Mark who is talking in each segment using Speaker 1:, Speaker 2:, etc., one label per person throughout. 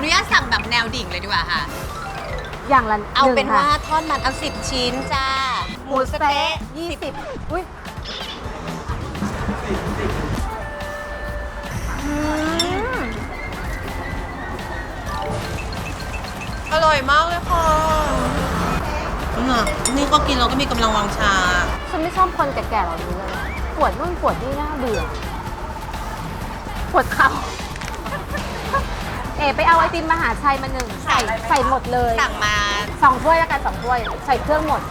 Speaker 1: นุญาตสั่งแบบแนวดิ่งเลยดีกว่าค่ะ
Speaker 2: อย่างละ
Speaker 1: เอาเป็น
Speaker 2: หง
Speaker 1: ว่า
Speaker 2: ค่ะ
Speaker 1: ทอดมันเอา10 ชิ้นจ้า หมูสะเต๊ะ
Speaker 2: 20อุ้ย
Speaker 1: อร่อยมากเลยค่ะนี่ก็กินเราก็มีกำลังวังชา
Speaker 2: ฉันไม่ชอบคนแก่ๆเหล่านี้เลยปวดนู่นปวดนี่น่าเบื่อปวดเข่าไปเอาไอติมมหาชัยมาหนึ่งใส่หมดเลย
Speaker 1: สั่งมา
Speaker 2: 2 ถ้วยแล้วกัน2 ถ้วยใส่เครื่องหมด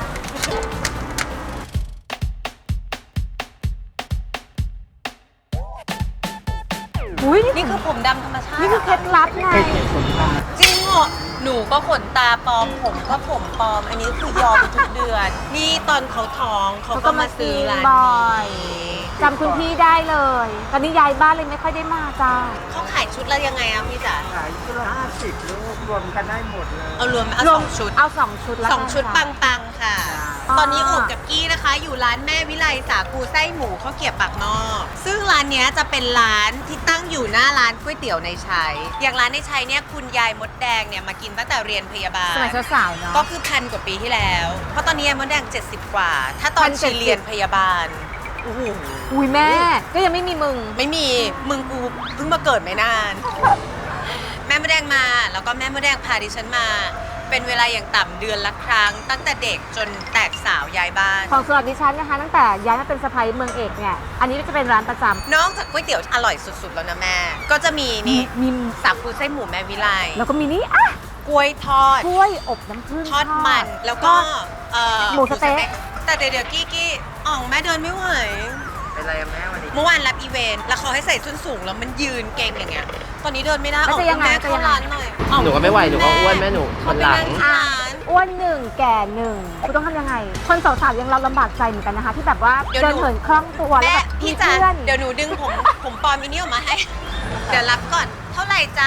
Speaker 2: อุ้ย
Speaker 1: นี่คือผมดำธรรมชาติ
Speaker 2: นี่คือเคล็ดลับไง
Speaker 1: จริงเหรอหนูก็ขนตาปลอม ผมก็ผมปลอม อันนี้คือยอมทุกเดือน นี่ตอนเขาท้องเขาก็มาซื้อร้าน
Speaker 2: บ่อย
Speaker 1: นี้
Speaker 2: จำคุณพี่ได้เลย ตอนนี้ย้ายบ้านเลยไม่ค่อยได้มาจ้า
Speaker 1: เขาขายชุดละยังไงอะพี่จ๋า
Speaker 3: ขายชุดละ50ลูกรวมกันได้หมดเลย
Speaker 1: เอารวมเอาสองชุด
Speaker 2: เอา2 ชุดแล้ว
Speaker 1: สองชุดปังๆค่ะ
Speaker 2: อ๋อ
Speaker 1: ตอนนี้โอบกับกี้นะคะ อยู่ร้านแม่วิไลสาคูไส้หมูข้าวเกรี๊ยวปากนอก ซึ่งร้านเนี้ยจะเป็นร้านที่ตั้งอยู่หน้าร้านก๋วยเตี๋ยวในชัย อย่างร้านในชัยเนี่ยคุณยายมดแดงเนี่ยมากินตั้งแต่เรียนพยาบาล
Speaker 2: สมัยสาวๆเนาะ
Speaker 1: ก็คือ1,000 กว่าปีที่แล้ว เพราะตอนนี้ยายมดแดง 70 กว่า ถ้าตอนชี
Speaker 2: 1,070
Speaker 1: เรียนพยาบาลโอ้โห
Speaker 2: อุ้ยแม่ ก็ยังไม่มีมึง
Speaker 1: ไม่มีมึงกูเพิ่งมาเกิดไม่นาน แม่มดแดงมาแล้วก็แม่มดแดงพาดิฉันมา เป็นเวลาอย่างต่ำเดือนละครั้ง ตั้งแต่เด็กจนแตกสาวย้ายบ้าน
Speaker 2: ของสำหรับดิฉันนะคะ ตั้งแต่ย้ายมาเป็นสะใภ้เมืองเอกเนี่ย อันนี้จะเป็นร้านประจำ
Speaker 1: นอกจากก๋วยเตี๋ยวอร่อยสุดๆแล้วนะแม่ ก็จะมีนี่
Speaker 2: มี
Speaker 1: สาคูไส้หมูแม่วิไล
Speaker 2: แล้วก็มีนี่อ่ะ
Speaker 1: กล้วยทอด
Speaker 2: กล้วยอบน้ำผึ้ง
Speaker 1: ทอดมันแล้วก็
Speaker 2: หมูสะเต๊ะ
Speaker 1: แต่เดี๋ยวกี้อ่องแม่เดินไม่ไหว
Speaker 3: เป็นไรอะแม่วันนี้
Speaker 1: เมื่อวานรับอีเวนต์แล้วเขาให้ใส่ส้นสูงแล้วมันยืนเก่งอย่างเงี้ย ตอนนี้เดินไม่ได้
Speaker 2: แล้วจะยังไง
Speaker 1: แม่
Speaker 2: จะ
Speaker 1: เข้า
Speaker 2: ยังไง
Speaker 1: ร้านหน่อย
Speaker 3: หนูก็ไม่ไหวหนูก็อ้วนแม่หนู
Speaker 1: เขาไป
Speaker 3: หลั
Speaker 1: นั่
Speaker 3: ง
Speaker 1: งที่ร้าน
Speaker 2: อ้วนหนึ่งแก่หนึ่งคุณต้องทำยังไง คนสาวๆยังเราลำบากใจเหมือนกันนะคะ ที่แบบว่าเดินเหินคล่องตัวแล้ว
Speaker 1: แม่
Speaker 2: แบบมี
Speaker 1: พี่จ๋า
Speaker 2: เพื่อน
Speaker 1: เดี๋ยวหนูดึงผมปลอมอีนี่ออกมาให้ เดี๋ยวรับก่อน เท่าไหร่จ๊ะ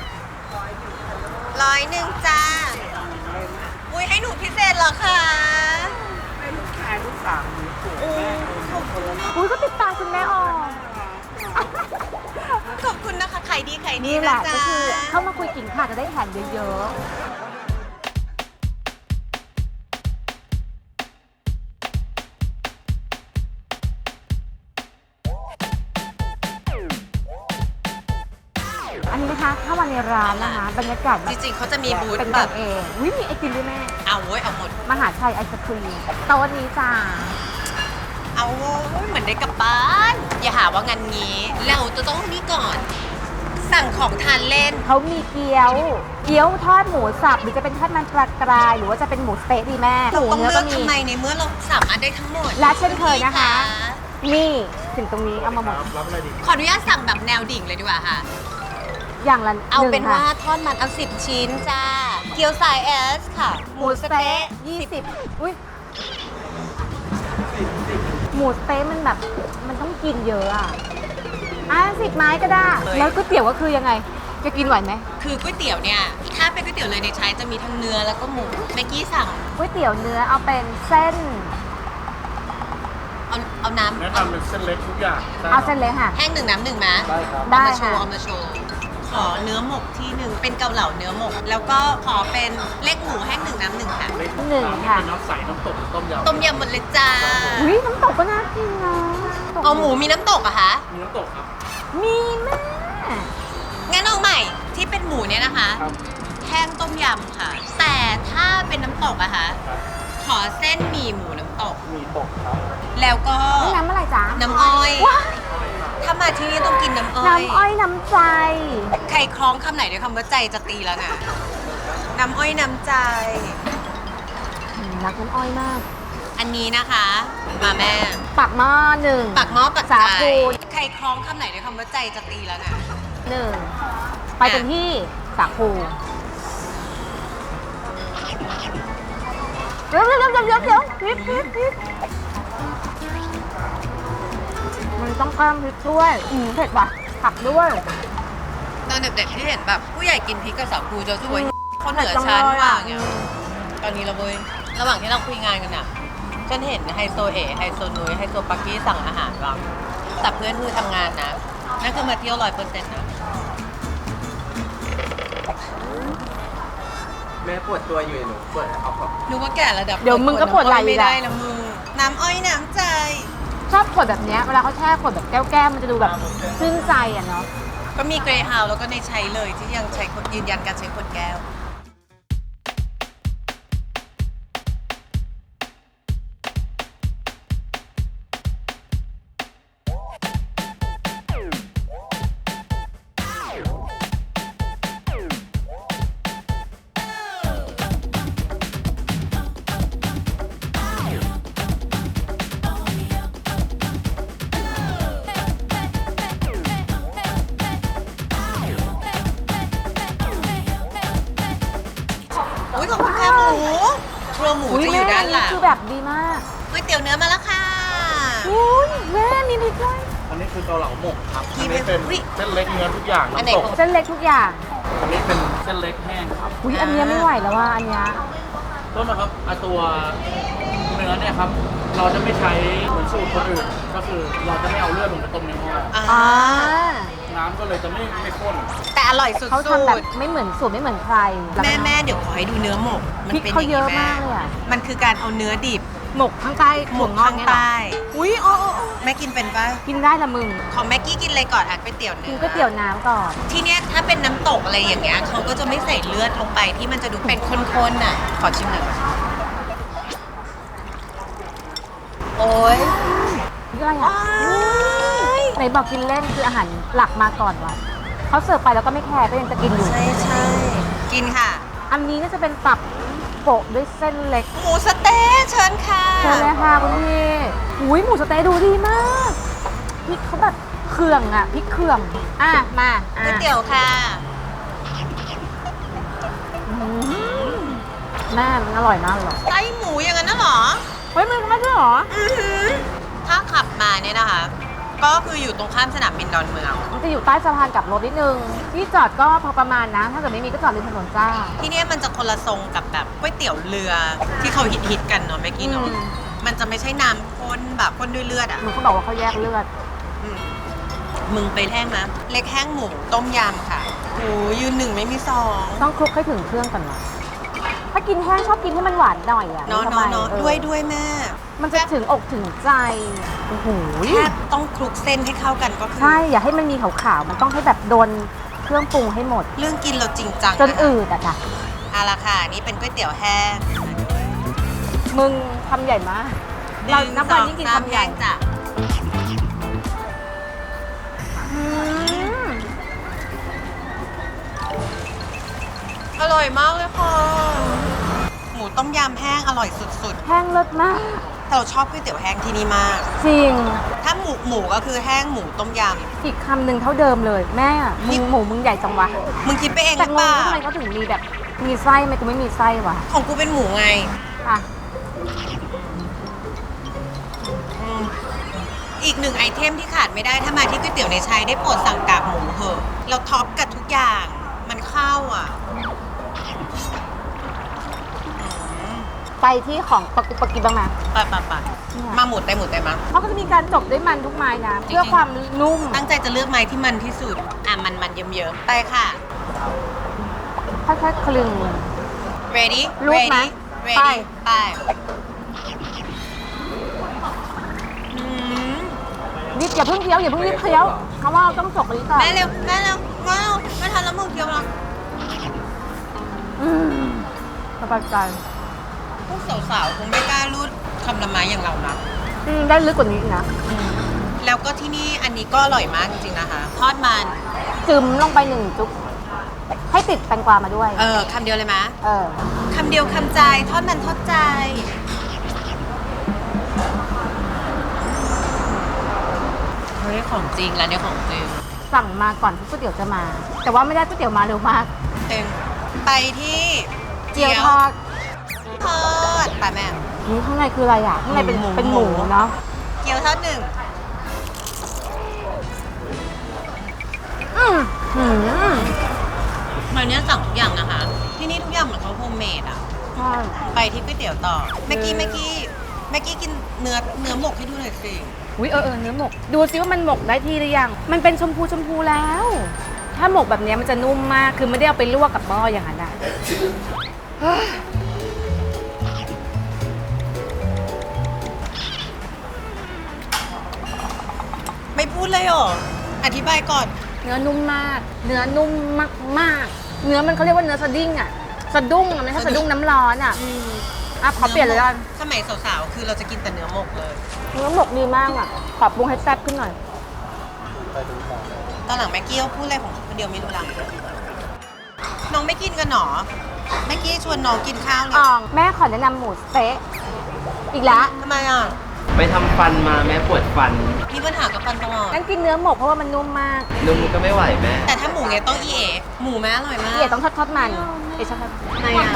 Speaker 1: 100จ้าอุ้ยให้หนูพิเศษเหรอคะ
Speaker 3: แม่ลูกสาวหนูสวย
Speaker 1: โอ้
Speaker 3: แม่
Speaker 1: ขอบคุณมาก
Speaker 2: อุ้ยก็ติดตามคุณแม่ออก
Speaker 1: ขอบคุณนะคะขายดีขายดี
Speaker 2: นี่แห
Speaker 1: นะ
Speaker 2: ละ
Speaker 1: จ๊ะ
Speaker 2: ก็คือเข้ามาคุยกิ่งค่ะจะได้แผนเยอะๆ อันนี้นะคะเข้ามาในร้านนะคะบรรยากาศแบ
Speaker 1: จ
Speaker 2: บ
Speaker 1: ริงๆเขาจะมีบูธ
Speaker 2: เป็น
Speaker 1: แบ
Speaker 2: กับ นเองอุ้ยมีไอติมด้วยแม่
Speaker 1: เอาเว้ยเอาหมด
Speaker 2: มหาชัยไอศครีมโต๊ะนี้จ้า
Speaker 1: เอาเว้ยเหมือนได้กลับบ้าน อย่าหาว่างานงี้ เราจะต้องนี่ก่อน สั่งของทานเล่น
Speaker 2: เขามีเกี๊ยวทอดหมูสับหรือจะเป็นทอดมันปลากราย หรือว่าจะเป็นหมูสเต๊ะดีแม่ห
Speaker 1: เรา
Speaker 2: มู
Speaker 1: ต้อง
Speaker 2: เนื้อ
Speaker 1: เลื
Speaker 2: ก็
Speaker 1: อก
Speaker 2: มี
Speaker 1: ทำไมในเมื่อเราสามารถได้ทั้งหมด
Speaker 2: และเช่นเคยนะคะ นี่ถึงตรงนี้เอามาหมด
Speaker 3: รับอะไรดี
Speaker 1: ขออนุญาตสั่งแบบแนวดิ่งเลยดีกว่าค่ะ
Speaker 2: อย่างละ
Speaker 1: เอา
Speaker 2: หนึ่
Speaker 1: เป็น
Speaker 2: ง
Speaker 1: ว่า
Speaker 2: ค่ะ
Speaker 1: ทอดมันเอา10 ชิ้นจ้า เกี๊ยวสายเอสค่ะ
Speaker 2: หมูสเต๊ะ20อุ้ยหมูสเต๊ะมันแบบมันต้องกินเยอะอ่ะ10 ไม้ก็ได้ แล้วก๋วยเตี๋ยวก็คือยังไง จะกินไหวไหม
Speaker 1: คือก๋วยเตี๋ยวเนี่ย ถ้าเป็นก๋วยเตี๋ยวเลยในใช้จะมีทั้งเนื้อแล้วก็หมูเมื่อกี้สั่ง
Speaker 2: ก๋วยเตี๋ยวเนื้อเอาเป็นเส้น
Speaker 1: เอาน้
Speaker 3: แนะนำเป็นเส้นเล็กทุกอย่าง
Speaker 2: เอาเส้นเล็กค่ะ
Speaker 1: ำแห้งหนึ่งน้ำหนึ่งไหม
Speaker 3: ได้ครับ
Speaker 2: ได้
Speaker 1: เอามาโชว์
Speaker 2: ค่ะ
Speaker 1: เอามาโชว์ ขอเนื้อหมกที่หนึ่งเป็นเกาเหลาเนื้อหมก แล้วก็ขอเป็นเล็กหมูแห้งหนึ่งน้ำหนึ่งค่ะ
Speaker 3: เล็ก
Speaker 2: หนึ่งค่ะ
Speaker 3: เป็นน้ำใสน้ำตกต้มยำ
Speaker 1: ต้มยำหมดเลยจ้า
Speaker 2: อุ้ยน้ำตกก็น่ากินนะ
Speaker 1: เอาหมูมีน้ำตกอะคะ
Speaker 3: มีน้ำตกครับ
Speaker 2: มีแม่
Speaker 1: งั้นเอาใหม่ที่เป็นหมูเนี่ยนะคะ
Speaker 3: ครับ
Speaker 1: แห้งต้มยำค่ะ แต่ถ้าเป็นน้ำตกอะคะ
Speaker 3: ครับ
Speaker 1: ขอเส้นหมี่หมูน้ำตก
Speaker 3: มีตกครับ
Speaker 1: แล้วก็
Speaker 2: นี่น้ำอะไรจ๊ะ
Speaker 1: น้ำอ้อย
Speaker 2: ว้าย
Speaker 1: ถ้ามาที่นี่ต้องกินน้ำอ้อย
Speaker 2: น้ำอ้อยน้ำใจ
Speaker 1: ใครคล้องคำไหนด้วยคำว่าใจจะตีแล้วนะน้ำอ้อยน้ำใจ
Speaker 2: รักน้ำอ้อยมาก
Speaker 1: อันนี้นะคะ มาแม่
Speaker 2: ปักหม้อหนึ่ง
Speaker 1: ปักหม้อปัก
Speaker 2: สา
Speaker 1: ใจ
Speaker 2: คู
Speaker 1: ใครคล้องคำไหนด้วยคำว่าใจจะตีแล้วนะ
Speaker 2: หนึ่งไปเป็นที่สาคูเดี๋ยวพริกมันต้องเพิ่มพริกด้วยเผ็ดว่ะผักด้วย
Speaker 1: ตอนเด็กๆที่เห็นแบบผู้ใหญ่กินพริกกับสาคูจะช่วยคนเหนือชั้นว่าอย่างเงี้ยตอนนี้เราเว้ยระหว่างที่เราคุยงานกันน่ะฉันเห็นไฮโซไฮโซนุ้ยไฮโซปักกี้สั่งอาหารเราแต่เพื่อนคือทำงานนะนั่นคือมาเที่ยว100%นะ
Speaker 3: ม่ปวดตัวอยู่หนูปวดเอาของ
Speaker 1: นึกว่าแก่ระดับ
Speaker 2: เดี๋ยวมึงก็ปวดไหล่
Speaker 1: ไม่
Speaker 2: อีก
Speaker 1: ได้
Speaker 2: อะ
Speaker 1: นะมึงน้ำอ้อยน้ำใจ
Speaker 2: ชอบขวดแบบเนี้ยเวลาเขาแช่ขวดแบบแก้วๆมันจะดูแบบชื่นใจอ่ะเนาะ
Speaker 1: ก็มีเกรย์ฮาวแล้วก็ในใช้เลยที่ยังใช้คนยืนยันการใช้ขวดแก้ว อุ้ยขอบคุณค่ะหมูครัวหมูจะอยู่ด้านหลัง
Speaker 2: คือแบบดีมาก
Speaker 1: ก๋วยเตี๋ยวเนื้อมาแล้วค่ะ
Speaker 2: อุ้ยแม่มีพริกด้วย
Speaker 3: อันนี้คือเกาเหลาหมกครับ
Speaker 1: ที่
Speaker 3: อันนี้เป็น
Speaker 1: อุ๊ย
Speaker 3: เส้นเล็กเนื้อทุกอย่าง
Speaker 1: อันไหน
Speaker 3: น้ำตก
Speaker 1: ของ
Speaker 2: เส้นเล็กทุกอย่าง
Speaker 3: อันนี้เป็นเส้นเล็กแห้งครับ
Speaker 2: อุ้ยอันเนี้ยไม่ไหวแล้วว่าอันเนี้ย
Speaker 3: ต้นนะครับตัวเนื้อเนี่ยครับ เราจะไม่ใช้เหมือนสูตรคนอื่น ก็คือเราจะไม่เอาเลือดลงไปต้มในหม้อ
Speaker 1: อ่า
Speaker 2: อ่า
Speaker 3: น้ำก็เลยจะไม่ข้น
Speaker 1: แต่อร่อยสุด
Speaker 2: เขาทำแบบไม่เหมือนสูตรไม่เหมือนใคร
Speaker 1: แม่เดี๋ยวขอให้ดูเนื้อหมก
Speaker 2: พริกเขาเยอะมากเลยอะ
Speaker 1: มันคือการเอาเนื้อดิบ
Speaker 2: หมกข้างใต้
Speaker 1: หมก
Speaker 2: งอก
Speaker 1: ข้าง
Speaker 2: เนี่ยเหรอ
Speaker 1: ใต้อุ้ยโอ้แม่กินเป็นปะ
Speaker 2: กินได้ละมึง
Speaker 1: ของแม็กกี้กินอะไรก่อนอ่ะก๋วยเตี๋ยวเนื้
Speaker 2: กิน
Speaker 1: อ
Speaker 2: ก๋วยเตี๋ยวน้ำก่อน
Speaker 1: ที่เนี้ยถ้าเป็นน้ำตกอะไรอย่างเงี้ยเขาก็จะไม่ใส่เลือดลงไปที่มันจะดูเป็นข้นๆน่ะ ขอชิมหน่อยโอ้ย
Speaker 2: นี่อะไรอ่ะไหนบอกกินเล่นคืออาหารหลักมาก่อนว่ะเขาเสิร์ฟไปแล้วก็ไม่แคร์ก็ยังจะกินอยู่
Speaker 1: ใช่กินค่ะ
Speaker 2: อันนี้ก็จะเป็นตับโปะด้วยเส้นเล็ก
Speaker 1: หมูสะเต๊ะเชิญค่ะ
Speaker 2: เชิญเลยค่ะคุณพี่อุ้ยหมูสะเต๊ะดูดีมากพริกเขาแบบเขื่องอ่ะพริกเขื่องอ่ะมา
Speaker 1: ก๋วยเตี๋ยวค่ะ
Speaker 2: อืมแม่มันอร่อยมากเลย
Speaker 1: ไส้หมูอย่างนั้นน่ะเหรอ
Speaker 2: เฮ้ยมันไม่ใช่หรอ
Speaker 1: อื้อหือถ้าขับมาเนี่ยนะคะ ก็คืออยู่ตรงข้ามสนามบินดอนเมือง
Speaker 2: มันจะอยู่ใต้สะพานกลับรถนิดนึงที่จอดก็พอประมาณนะ ถ้าเกิดไม่มีก็จอดริมถนนจ้า
Speaker 1: ที่เนี่ยมันจะคนละทรงกับแบบก๋วยเตี๋ยวเรือที่เขาฮิตๆกันเนาะเมื่อกี้เนาะ
Speaker 2: อืม
Speaker 1: มันจะไม่ใช่น้ำข้นแบบข้นด้วยเลือดอ่ะ
Speaker 2: มึงเขาบอกว่าเขาแยกเลือด
Speaker 1: อืมมึงไปแห้งนะเล็กแห้งหมูต้มยำค่ะโอ้ยืนหนึ่งไม่มีสอง
Speaker 2: ต้องคลุกให้ถึงเครื่องก่อนนะถ้ากินแห้งชอบกินให้มันหวานหน่อยอ่ะ
Speaker 1: เนาะ
Speaker 2: ไม่ทำไม
Speaker 1: เนาะ
Speaker 2: เออ
Speaker 1: ด้วยแม่
Speaker 2: มันจะถึงอกถึงใจโอ้โห
Speaker 1: แค่ต้องคลุกเส้นให้เข้ากันก็คือ
Speaker 2: ใช่ อย่าให้มันมีขาวๆ มันต้องให้แบบโดนเครื่องปรุงให้หมด
Speaker 1: เรื่องกินเราจริงจัง
Speaker 2: จน
Speaker 1: นะคะ
Speaker 2: อืดอะจ้ะ
Speaker 1: เอาละค่ะนี่เป็นก๋วยเตี๋ยวแห้ง
Speaker 2: มึงทำใหญ่มาก เรานับวันยิ่งกิน
Speaker 1: 1 2 3
Speaker 2: คำใหญ่
Speaker 1: แห้งจ้ะ
Speaker 2: อืม
Speaker 1: อร่อยมากเลยค่ะหมูต้มยำแห้งอร่อยสุด
Speaker 2: แห้งเลิศมาก
Speaker 1: ๆแต่เราชอบก๋วยเตี๋ยวแห้งที่นี่มาก
Speaker 2: จริง
Speaker 1: ถ้าหมูก็คือแห้งหมูต้มย
Speaker 2: อีกคำหนึ่งเท่าเดิมเลย แม่หมูมึงใหญ่จังวะ
Speaker 1: ำมึงคิดไปเองห
Speaker 2: แต่
Speaker 1: รือง เป
Speaker 2: ง
Speaker 1: ล่า
Speaker 2: ว่าทำไมเขาถึงมีแบบมีไส้ทำไมกูไม่มีไส้วะ
Speaker 1: ของกูเป็นหมูไง
Speaker 2: อ่ะ
Speaker 1: อืมอีกหนึ่งไอเทมที่ขาดไม่ได้ถ้ามาที่ก๋วยเตี๋ยวในชัยได้โปรดสั่งกากหมูเหอะเราท็อปกับทุกอย่างมันเข้าอ่ะ
Speaker 2: ไปที่ของปกกิบ้างไหม
Speaker 1: ไปมาหมูได้มา
Speaker 2: เขาก็จะมีการจบด้วยมันทุกไม้นะ
Speaker 1: จริงๆ
Speaker 2: เพื่อความนุ่ม
Speaker 1: ตั้งใจจะเลือกไม้ที่มันที่สุดอ่ะมันเยิ้มๆไปค่ะ
Speaker 2: ค่อยๆคลึง
Speaker 1: ready
Speaker 2: รูปไหม
Speaker 1: ready
Speaker 2: ไป
Speaker 1: ไปอืม
Speaker 2: รีบอย่าเพิ่งเคี้ยวอย่าเพิ่งรีบเคี้ยวเพราะว่าเราต้องจบอันนี้ก่อน
Speaker 1: แม่เร็วไม่ทันแล้วมึงเคี้ยวแล้ว
Speaker 2: อืมสบายใจ
Speaker 1: พวกสาวๆคงไม่กล้ารูดคำละไม้อย่างเรานะ
Speaker 2: ได้ลึกกว่านี้อีกนะ
Speaker 1: แล้วก็ที่นี่อันนี้ก็อร่อยมากจริงๆนะคะ ทอดมัน
Speaker 2: จึมลงไปหนึ่งจุ๊บให้ติดแตงกวามาด้วย
Speaker 1: คำเดียวเลยไหม
Speaker 2: เออ
Speaker 1: คำเดียวคำใจทอดมันทอดใจเฮ้ยของจริงร้านนี้ของจริง
Speaker 2: สั่งมาก่อนที่ก๋วยเตี๋ยวจะมา แต่ว่าไม่ได้ก๋วยเตี๋ยวมาเร็วมาก
Speaker 1: เองไปที่
Speaker 2: เจียวทอด
Speaker 1: ทอดไปแม่
Speaker 2: นี่ข้างในคืออะไรอ่ะข้างในเป็น
Speaker 1: หมู
Speaker 2: เป็นหมูเนาะ
Speaker 1: เกี๊ยวทอดหนึ่ง
Speaker 2: อืมอืม
Speaker 1: วันนี้สั่งทุกอย่างนะคะ ที่นี่ทุกอย่างเหมือนเขาโฮมเมดอ่ะ
Speaker 2: ใช่
Speaker 1: ไปที่ก๋วยเตี๋ยวต่อเมื่อกี้กินเนื้อหมกให้ดูหน่อยสิ
Speaker 2: อุ้ยเนื้อหมก ดูซิว่ามันหมกได้ที่หรือยัง มันเป็นชมพูแล้ว ถ้าหมกแบบเนี้ยมันจะนุ่มมาก คือไม่ได้เอาไปลวกกับหม้ออย่างนั้นอะ
Speaker 1: ไม่พูดเลยเหรอ อธิบายก่อน
Speaker 2: เนื้อนุ่มมาก เนื้อนุ่มมากๆ เนื้อมันเขาเรียกว่าเนื้อสดิ้งอ่ะ สะดุ้งอะไม่ใช่สะดุ้งน้ำร้อนอ่ะอ่ะขอเปลี่ยนเลยกัน
Speaker 1: สมัยสาวๆ คือเราจะกินแต่เนื้อหมกเลย
Speaker 2: เนื้อหมกดีมากอ่ะ ขอปรุงให้แซ่บขึ้นหน่อย
Speaker 1: ตอนหลังแม็กกี้เขาพูดอะไรของเขาคนเดียวไม่รู้ลังน้องไม่กินกันหรอแม็กกี้ชวนน้องกินข้าวเลย
Speaker 2: อ่องแม่ขอแนะนำหมูสเต๊ะอีกแล้ว
Speaker 1: ทำไมอ่ะ
Speaker 4: ไปทำฟันมาแม่ปวดฟัน
Speaker 1: มีปัญหากับฟันตลอด
Speaker 2: งั้นกินเนื้อหมกเพราะว่ามันนุ่มมาก
Speaker 4: นุ่มก็ไม่ไหวแม่
Speaker 1: แต่ถ้าหมูเนี่ยต้องอีเอหมูแม่อร่อยมาก
Speaker 2: เดี๋ยวต้องทอดมันเดี๋ยวชอบทอด
Speaker 1: ทำไมอ่ะ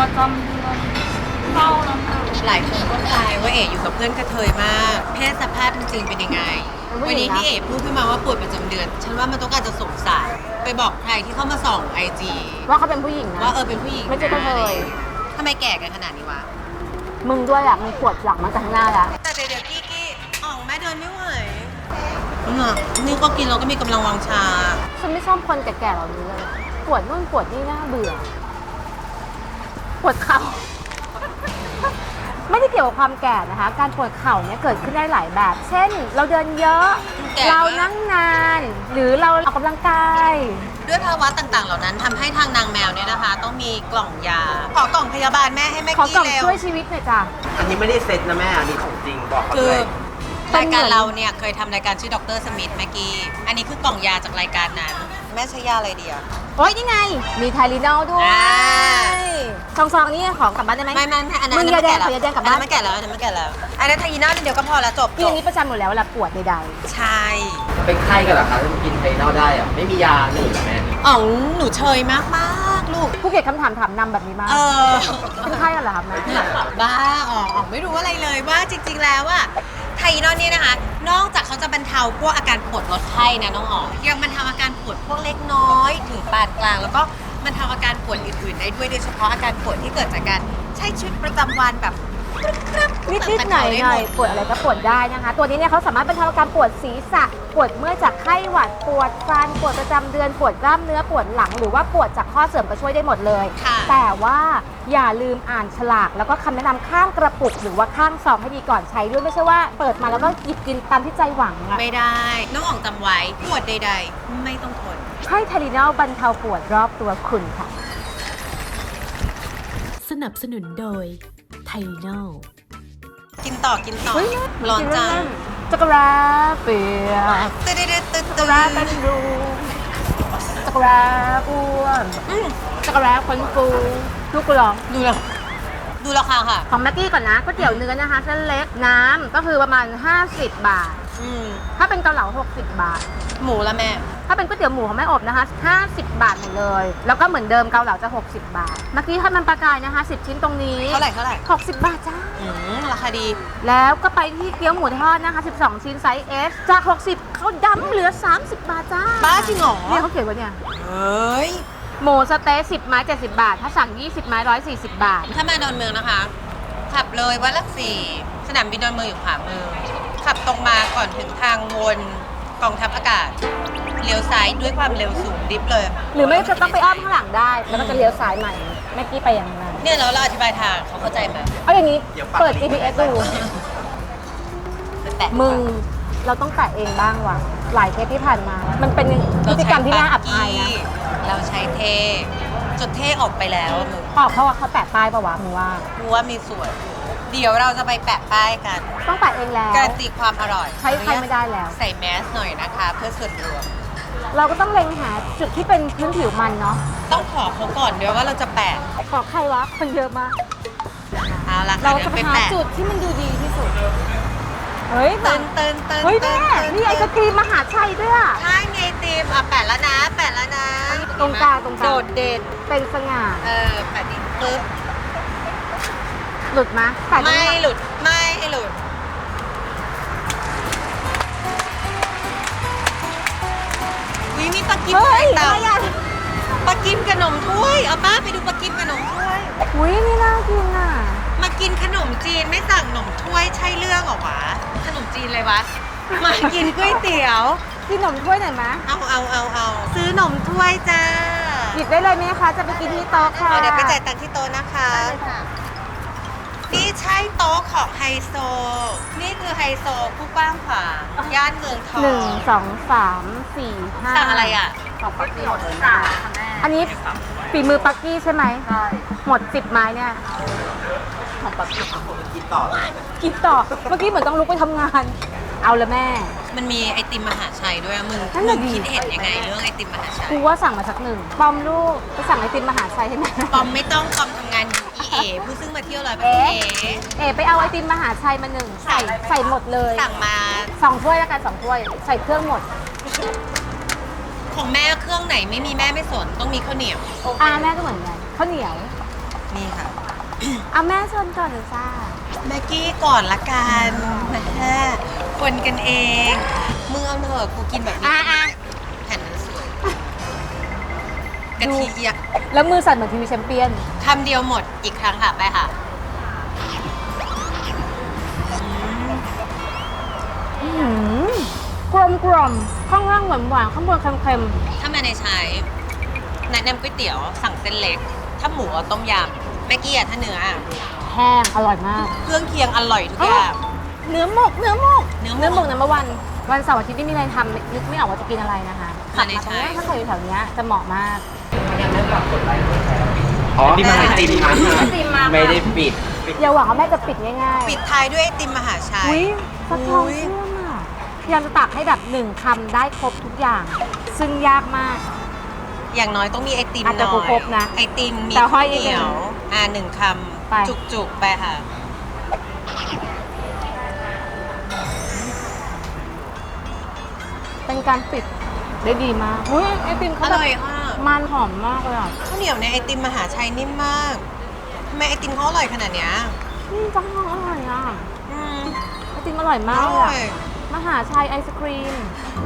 Speaker 1: หลายคนก็ใจว่าเอ๋อยู่กับเพื่อนกระเทยมาก เพศสภาพจริงๆเป็นยังไง วันนี้ที่เอ๋พูดขึ้นมาว่าปวดประจำเดือน ฉันว่ามันต้องการจะสงสารไปบอกใครที่เข้ามาส่องไอจี
Speaker 2: ว่าเขาเป็นผู้หญิงนะ
Speaker 1: ว่าเป็นผู้หญิง
Speaker 2: ไม่ใช่กระเทย
Speaker 1: ทำไมแก่กันขนาดนี้วะ
Speaker 2: มึงด้วยอ่ะมึงปวดหลังมาจากข้างหน้าแล้ว
Speaker 1: แต่เดี๋ยวกี้อ่องแม่เดินไม่ไหวนี่ก็กินเราก็มีกำลังวังชา
Speaker 2: ฉันไม่ชอบคนแก่ๆเหล่านี้เลยปวดนู่นปวดนี่น่าเบื่อ ปวดเข่า ไม่ได้เกี่ยวกับความแก่นะคะ การปวดเข่าเนี่ยเกิดขึ้นได้หลายแบบ เช่น เราเดินเยอะ
Speaker 1: แก่
Speaker 2: เรานั่งนาน หรือเราออกกำลังกาย
Speaker 1: ด้วยภาวะต่างๆ เหล่านั้นทำให้ทางนางแมวเนี่ยนะคะ ต้องมีกล่องยา ขอกล่องพยาบาลแม่ให้แม่
Speaker 2: ขอ
Speaker 1: กี้
Speaker 2: กล่อง
Speaker 1: เร็ว
Speaker 2: ช่วยชีวิตหน่อยจ้ะ
Speaker 4: อันนี้ไม่ได้เซ็ตนะแม่ อันนี้ของจริงบอกเขา
Speaker 1: คื
Speaker 4: เล
Speaker 1: อย รายการเราเนี่ยเคยทำรายการชื่อดรสมิธแม่กี้ อันนี้คือกล่องยาจากรายการนั้น แม่ใช้ยาอะไรดีอะ
Speaker 2: โอ๊ยนี่ไง มีไทลินอลด้วย
Speaker 1: อ่า
Speaker 2: ซองๆนี่ของกลับบ้านได้ไหม
Speaker 1: ไม่อันนั้น
Speaker 2: มึงอย่าแดงขออย่าแดงกลับบ้าน
Speaker 1: อันนั้นไม่แก่แล้วอันนั้นไม่แก่แล้ว อันนั้นไทยีน่าเดียวก็พอแล้วจบ
Speaker 2: กินอย่างนี้ประจำอยู่แล้วเวลาปวดใด
Speaker 1: ใช่
Speaker 4: เป็นไข้กันเหรอคะถ้ากินไทนอลได้อะไม่มียาหนึ่งเหรอแม่
Speaker 1: อ๋องหนูเชยมากๆลูก
Speaker 2: ๆผู้เกียรติคำถามถามนำแบบนี้มาก เป็นไข้กันเหรอครับแม่
Speaker 1: บ้าอ๋องไม่รู้อะไรเลยว่าจริง ๆ แล้วอะไทยนอนเนี่ยนะคะ นอกจากเขาจะบรรเทาพวกอาการปวดลดไข้นะน้องอ๋องยังบรรเทาอาการปวดพวกเล็กน้อยถึงปานกลาง แล้วก็บรรเทาอาการปวดอื่นๆได้ด้วยโดยเฉพาะอาการปวดที่เกิดจากการใช้ชีวิตประจำวันแบบ
Speaker 2: นิดๆหน่อยๆปวดอะไรก็ปวดได้นะคะ ตัวนี้เนี่ยเขาสามารถบรรเทาอาการปวดศีรษะ ปวดเมื่อยจากไข้หวัด ปวดฟัน ปวดประจำเดือน ปวดกล้ามเนื้อ ปวดหลัง หรือว่าปวดจากข้อเสื่อมก็ช่วยได้หมดเลย
Speaker 1: ค่ะ
Speaker 2: แต่ว่าอย่าลืมอ่านฉลาก แล้วก็คำแนะนำข้างกระปุก หรือว่าข้างซองให้ดีก่อนใช้ด้วย ไม่ใช่ว่าเปิดมาแล้วก็หยิบกินตามที่ใจหวังอะ
Speaker 1: ไม่ได้ น้องอ๋องจำไว้ปวดใด ๆ ไม่ต้องทน
Speaker 2: ให้ไทลินอลบรรเทาปวดรอบตัวคุณค่ะ
Speaker 5: สนับสนุนโดยไทโน
Speaker 1: กินต่อ
Speaker 2: เฮ้ย
Speaker 1: ร้อนจัง
Speaker 2: จักรราเปียก
Speaker 1: ตึ๊ดตึ๊ดตึ๊ด
Speaker 2: จักรราเป็นรูจักรราอ้วนจักรราคนฟูลูกกลอง
Speaker 1: ดูราคาค่ะ
Speaker 2: ของแม็กกี้ก่อนนะก๋วยเตี๋ยวเนื้อนะคะเส้นเล็กน้ำก็คือประมาณ50 บาท
Speaker 1: อืม
Speaker 2: ถ้าเป็นเกาเหลา60 บาท
Speaker 1: หมูละแม่
Speaker 2: ถ้าเป็นก๋วยเตี๋ยวหมูของแม่อบนะคะ50 บาทหมดเลย แล้วก็เหมือนเดิมเกาเหลาจะ60 บาทเมื่อกี้ทอดมันปลากายนะคะ10 ชิ้นตรงนี้
Speaker 1: เท่าไหร่
Speaker 2: 60 บาทจ้า
Speaker 1: ราคาดี
Speaker 2: แล้วก็ไปที่เกี๊ยวหมูทอดนะคะ12 ชิ้นไซส์ S จาก60เขาดั้มเหลือ30 บาทจ้า
Speaker 1: บ้าจริงเหรอ
Speaker 2: เนี่ยเขาเขียนไว้เนี่ย
Speaker 1: เฮ้ย
Speaker 2: หมูสะเต๊ะ10 ไม้ 70 บาท ถ้าสั่ง 20 ไม้ 140 บาท
Speaker 1: ถ้ามาดอนเมืองนะคะ ขับเลยวัดหลักสี่สนามบินดอนเมืองอยู่ขวามือ ขับตรงมาก่อนถึงทางวนกองทัพอากาศ เลี้ยวซ้ายด้วยความเร็วสูงดิฟเลย
Speaker 2: หรือไม่จะต้องไปอ้อมข้างหลังได้ แล้วก็จะเลี้ยวซ้ายใหม่แม่กี้ไปอย่างนั้น
Speaker 1: เนี่ยเราอธิบายทางเขาเข้าใจไหม
Speaker 2: เอาอย่างนี้ เปิด GPS ดู
Speaker 1: แตะ
Speaker 2: มึง เราต้องแตะเองบ้างว่ะ หลายเทปที่ผ่านมา มันเป็นพฤติกรรมที่น่าอับอายนะ
Speaker 1: เราใช้เทจนเทออกไปแล้วมึง
Speaker 2: ออกเพราะว่าเขาแปะป้ายปะวะมึงว่า
Speaker 1: รู้ว่ามีส่วน เดี๋ยวเราจะไปแปะป้ายกัน
Speaker 2: ต้องแปะเองแล้ว
Speaker 1: การันตีความอร่อย
Speaker 2: ใช้ใครไม่ได้แล้ว
Speaker 1: ใส่แมสหน่อยนะคะ เพื่อส่วนรวม
Speaker 2: เราก็ต้องเล็งหาจุดที่เป็นพื้นผิวมันเนาะ
Speaker 1: ต้องขอเขาก่อนเดี๋ยวว่าเราจะแปะ
Speaker 2: ขอใครวะ คนเยอะมาก
Speaker 1: เอาละค่ะ
Speaker 2: เรา
Speaker 1: เดี๋ย
Speaker 2: จะ
Speaker 1: วไป
Speaker 2: หา
Speaker 1: แปะ
Speaker 2: จุดที่มันดูดีที่สุด เฮ้ย
Speaker 1: เตินเตินเติน
Speaker 2: เฮ้ย
Speaker 1: เติ
Speaker 2: แม่
Speaker 1: นเติน
Speaker 2: มีไอศครีมมหาชัยด้วยอะ
Speaker 1: ใช่ไงตีมอ่ะแปะแล้วนะ แปะแล้วนะ
Speaker 2: ตรงกลางตรงกลาง
Speaker 1: โดดเด่น
Speaker 2: เป็นสง่า
Speaker 1: แปะดิปึ๊บ
Speaker 2: หลุดมะแต่
Speaker 1: ไม่หลุดไม่หลุดวิมีปลากิม
Speaker 2: เฮ้ย
Speaker 1: เต่า
Speaker 2: อะไรอ่ะ
Speaker 1: ปลากิมขนมถ้วยเอาป้าไปดูปลากิมขนมถ้วย
Speaker 2: อุ้ยนี่น่ากินอ่ะ
Speaker 1: มากินขนมจีนไม่สั่งขนมถ้วยใช่เรื่องเหรอวะขนมจีนเลยวะมากินก๋วยเตี๋ยว
Speaker 2: กินขนมถ้วยหน่อยมะ
Speaker 1: เอาซื้อขนมถ้วยจ้า
Speaker 2: หยิบได้เลยไหมคะจะไปกินที่โต๊ะค่ะ
Speaker 1: เดี๋ยวไปจ่ายตังค์ที่โต๊ะนะคะ นี่ใช่โต๊ะของไฮโซ นี่คือไฮโซผู้กว้างขวางย่านเมืองทอง
Speaker 2: หนึ่งสองสามสี่ห้า
Speaker 1: สั่งอะไรอ่ะ
Speaker 4: ของปักกิ่งหมดเลยนะ
Speaker 2: อันนี้ฝีมือปักกี้ใช่ไหม
Speaker 4: ใช่
Speaker 2: หมด10 ไม้เนี่ย
Speaker 4: ของปักกิ่งผมกินต่อเลย
Speaker 2: กินต่อ เมื่อกี้เหมือนต้องลุกไปทำงาน เอาละแม่
Speaker 1: มันมีไอติมมหาชัยด้วยอะมึง
Speaker 2: นั่น
Speaker 1: มึ
Speaker 2: น่ะ
Speaker 1: ง
Speaker 2: ดิ
Speaker 1: คิดเห็นยังไงเรื่องไอติมมหาชัย
Speaker 2: กูว่าสั่งมาสักหนึ่งปอมลูกไปสั่งไอติมมหาชัยให้แม่
Speaker 1: ปอมไม่ต้องปอมทำงานอยู่อีเอผู้ซึ่งมาเที่ยวร้อยประ
Speaker 2: เอ๊
Speaker 1: เทศ
Speaker 2: เอ๋ไปเอาไอติมมหาชัยมาหนึ่งใส่หมดเลย
Speaker 1: สั่งมา
Speaker 2: 2 ถ้วยแล้วกัน2 ถ้วย ใส่เครื่องหมด
Speaker 1: ของแม่เครื่องไหนไม่มีแม่ไม่สนต้องมีข้าวเหนียว
Speaker 2: แม่ก็เหมือนกันข้าวเหนียว
Speaker 1: นี่ค่ะ
Speaker 2: แม่ชนก่อนหรือซ่า
Speaker 1: แม็กกี้ก่อนละกันแม่คนกันเองมึงเอาเถอะกูกินแบบนี้แผ่นมันสวยกะทิอ่ะ
Speaker 2: แล้วมือสั่นเหมือนทีวีแชมเปี้ยน
Speaker 1: คำเดียวหมดอีกครั้งค่ะไปค่ะ
Speaker 2: กลมข้างล่างหวานๆข้างบนเค็ม
Speaker 1: ถ้ามาในใช้แนะนำก๋วยเตี๋ยวสั่งเส้นเล็ก ถ้าหมูเอาต้มยำแม่กี้อะถ้าเนื้ออะ
Speaker 2: ๆแห้งอร่อยมาก
Speaker 1: เครื่องเคียงอร่อยทุกอย่าง
Speaker 2: เนื้อหมก
Speaker 1: เนื้อหมก
Speaker 2: น้ำวันเสาร์อาทิตย์ไม่มีอะไรทำนึกไม่ออกว่าจะกินอะไรนะคะ
Speaker 1: มาใน
Speaker 2: ตร
Speaker 1: ใช้
Speaker 2: งนี้ถ้าใครอยู่แถวเนี้ยจะเหมาะมาก
Speaker 4: ยังไม่ฝากกดไลค์กดแชร์อ๋อที่มันไอติมมา
Speaker 2: ไอติมมา
Speaker 4: ไม่ได้ปิด
Speaker 2: อย่าหวังว่าแม่จะปิดง่ายๆ
Speaker 1: ปิดท้ายด้วยไอติมมหาชัย
Speaker 2: อุ้ยฟักทองเชื่อมอ่ะพยายามจะตักให้แบบ1 คำได้ครบทุกอย่าง ซึ่งยากมาก
Speaker 1: อย่างน้อยต้องมีไอติมห
Speaker 2: อาจจะ
Speaker 1: น่อย
Speaker 2: ครบนะ
Speaker 1: ไอติมมี
Speaker 2: แต่ห้
Speaker 1: ข้า
Speaker 2: อยว นิด
Speaker 1: เห
Speaker 2: นึ
Speaker 1: นี
Speaker 2: ง
Speaker 1: ยวหนึ่งค
Speaker 2: ไป
Speaker 1: ำจุกๆไปค่ะ
Speaker 2: เป็นการปิดได้ดีมากอุ้ยไอติม
Speaker 1: อ
Speaker 2: เขาแบบ
Speaker 1: ร่อยค่ะ
Speaker 2: มันหอมมากเลยอ่ะ
Speaker 1: ข้าวเหนียวในไอติมมหาชัยนิ่มมากทำไมไอติมเขาอร่อยขนาดเนี้ย
Speaker 2: ฟักทองอร่อยอ่ะ
Speaker 1: อืม
Speaker 2: ไอติมอร่อย
Speaker 1: อ
Speaker 2: มากเลย
Speaker 1: ร่อ
Speaker 2: อะ
Speaker 1: ย
Speaker 2: มหาชัยไอศครีม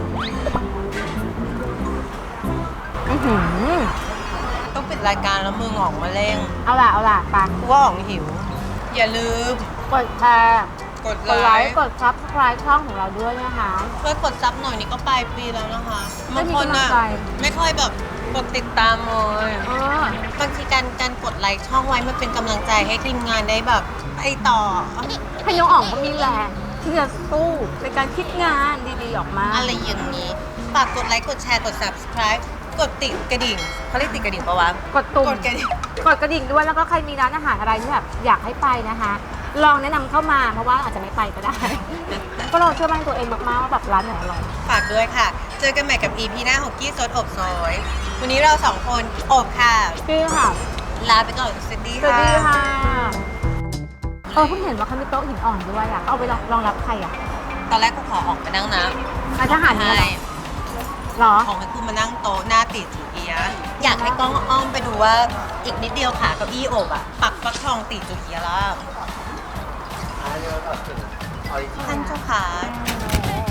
Speaker 2: อื้อหือ
Speaker 1: ต้องปิดรายการแล้วมือหงอกมาเร่ง
Speaker 2: เอาล่ะไป
Speaker 1: กูว่าอ๋องหิว อย่าลืม
Speaker 2: กดแชร์
Speaker 1: กด
Speaker 2: กด
Speaker 1: ไล
Speaker 2: ไล
Speaker 1: ค์
Speaker 2: ค์กด subscribe ช่องของเราด้วยนะคะ
Speaker 1: ช่วยกดซับหน่อยนี่ก็ปลายปีแล้วนะคะ
Speaker 2: ไม่
Speaker 1: บาง
Speaker 2: มี
Speaker 1: คน
Speaker 2: กำลั
Speaker 1: อ่ะ
Speaker 2: งใจ
Speaker 1: ไม่ค่อยแบบกดติดตามเลย
Speaker 2: เออบ
Speaker 1: างทีการกดไลค์ช่องไว้มันเป็นกำลังใจให้ทีมงานได้แบบไปต่อ
Speaker 2: ให้น้องอ่องก็มีแรงที่จะสู้ในการคิดงานดีๆออกมา
Speaker 1: อะไรอย่างนี้ฝากกดไลค์กดแชร์กด subscribe กดติดกระดิ่งเขาเรียกติดกระดิ่งปะวะ
Speaker 2: กดตุ่ม
Speaker 1: กดกระดิ่ง
Speaker 2: กดกระดิ่งด้วยแล้วก็ใครมีร้านอาหารอะไรที่แบบอยากให้ไปนะคะ ลองแนะนำเข้ามาเพราะว่าอาจจะไม่ไปก็ได้ ก็เราเชื่อมั่นตัวเองมากๆว่าแบบร้านไหนอร่อย
Speaker 1: ฝากด้วยค่ะ เจอกันใหม่กับ EP หน้าของกี้ซดอบซอย วันนี้เราสองคนอบค่ะ
Speaker 2: คือค่ะ
Speaker 1: ลาไปก่อนสวัสดี
Speaker 2: สวัส
Speaker 1: ค่ะ
Speaker 2: ดีค่ะเพิ่งเห็นว่าเขามีโต๊ะหินอ่อนด้วยอ่ะเอาไปรองรับใครอ่ะ
Speaker 1: ตอนแรกกูขอออกไปนั่งนะ
Speaker 2: นายทหารเนี่ย
Speaker 1: ใช่
Speaker 2: เหรอ
Speaker 1: ของให้กูมานั่งโต๊ะหน้าติดจูเอียะอยากให้กล้องอ้อมไปดูว่าอีกนิดเดียวขาเก้าอี้อบอ่ะ ปักฟักทองติดจูเอียะแล้ว
Speaker 4: อันนี้เราถึงออริจิน
Speaker 1: ท่านเจ้าขา